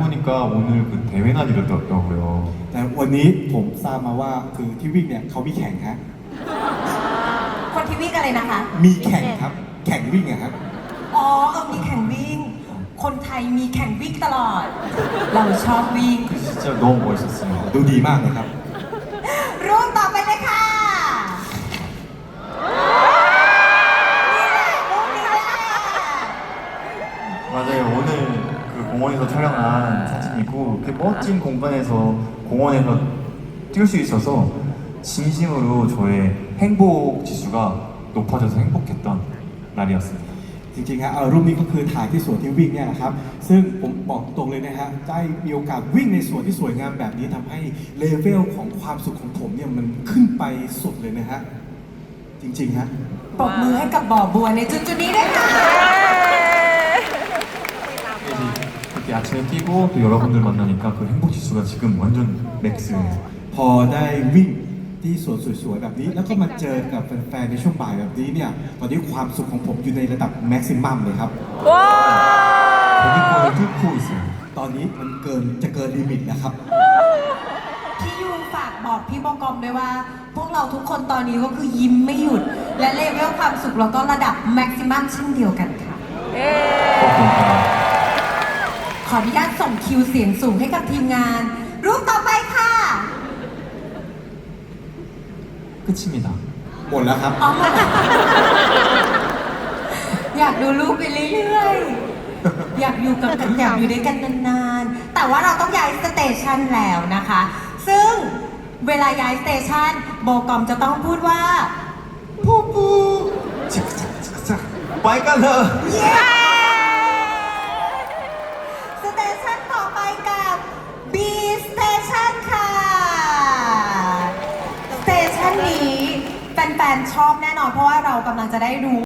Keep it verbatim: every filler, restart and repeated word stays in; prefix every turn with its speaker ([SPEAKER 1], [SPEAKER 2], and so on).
[SPEAKER 1] 보니까 오늘 그 대회나 이러더라고요.
[SPEAKER 2] แต่วันนี้ผมทราบมาว่าคือที่วิ่งเนี่ยเขามีแข่งฮะ
[SPEAKER 3] คนที่วิ่งอะไรนะคะ
[SPEAKER 2] มีแข่งครับ แข่งวิ่งอะครับ
[SPEAKER 3] อ๋อเออมีแข่งวิ่ง คนไทยมีแข่งวิ่งตลอด เราชอบวิ่ง
[SPEAKER 1] 진짜 너무 멋있었어요.
[SPEAKER 2] ดูดีมากเลยครับ
[SPEAKER 3] รูปต่อไปเลยค่ะนี่แหละรูปนี้แหละ
[SPEAKER 1] 맞아요. 오늘 그 공원에서 촬영한 사진이고 이렇게 멋진 공간에서 공원에서 뛸 수 있어서 진심으로 저의 행복 지수가 높아져서 행복했던 날이었습니다.
[SPEAKER 2] จริงๆฮะเอารูปนี้ก็คือถ่ายที่สวนที่วิ่งเนี่ยนะครับ ซึ่งผมบอกตรงเลยนะฮะได้มีโอกาสวิ่งในสวนที่สวยงามแบบนี้ทำให้เลเวลของความสุขของผมเนี่ยมันขึ้นไปสุดเลยนะฮะจริงๆฮะ
[SPEAKER 3] ปรบมือให้กับบ่อบัวในจุดจุดๆนี้ด้วยค่ะ
[SPEAKER 1] 이제 그렇게 아침에 뛰고 또 여러분들 만나니까 그 행복 지수가 지금 완전 맥스예요.
[SPEAKER 2] พอได้วิ่งที่สวนสวยๆแบบนี้ แล้วก็มาเจอกับแฟนๆในช่วงบ่ายแบบนี้เนี่ยตอนนี้ความสุขของผมอยู่ในระดับแม็กซิมัมเลยครับ
[SPEAKER 1] 대기권을 뚫고 있어요.
[SPEAKER 2] ตอนนี้มันเกินจะเกินลิมิตนะครับ
[SPEAKER 3] พี่ยูฝากบอกพี่บกอมด้วยว่า พวกเราทุกคนตอนนี้ก็คือยิ้มไม่หยุด และเลเวลความสุขเราก็ระดับแม็กซิมัมเช่นเดียวกันค่ะ
[SPEAKER 1] 그렇구나.
[SPEAKER 3] ขออนุญาตส่งคิวเสียงสูงให้กับทีมงาน รูปต่อไปค่ะ
[SPEAKER 1] 끝입니다.
[SPEAKER 2] หมดแล้วครับ
[SPEAKER 3] อ๋ออยากดูรูปไปเรื่อยๆ อยากอยู่กับกันอยากอยู่ด้วยกันนานๆ แต่ว่าเราต้องย้ายสเตชันแล้วนะคะ ซึ่งเวลาย้ายสเตชันโบกอมจะต้องพูดว่าผู้ปู
[SPEAKER 1] 착착착착. 빨간러.
[SPEAKER 3] เย้สเตชันต่อไปกับ B Station ค่ะ สเตชันนี้แฟนๆชอบแน่นอนเพราะว่าเรากำลังจะได้รู้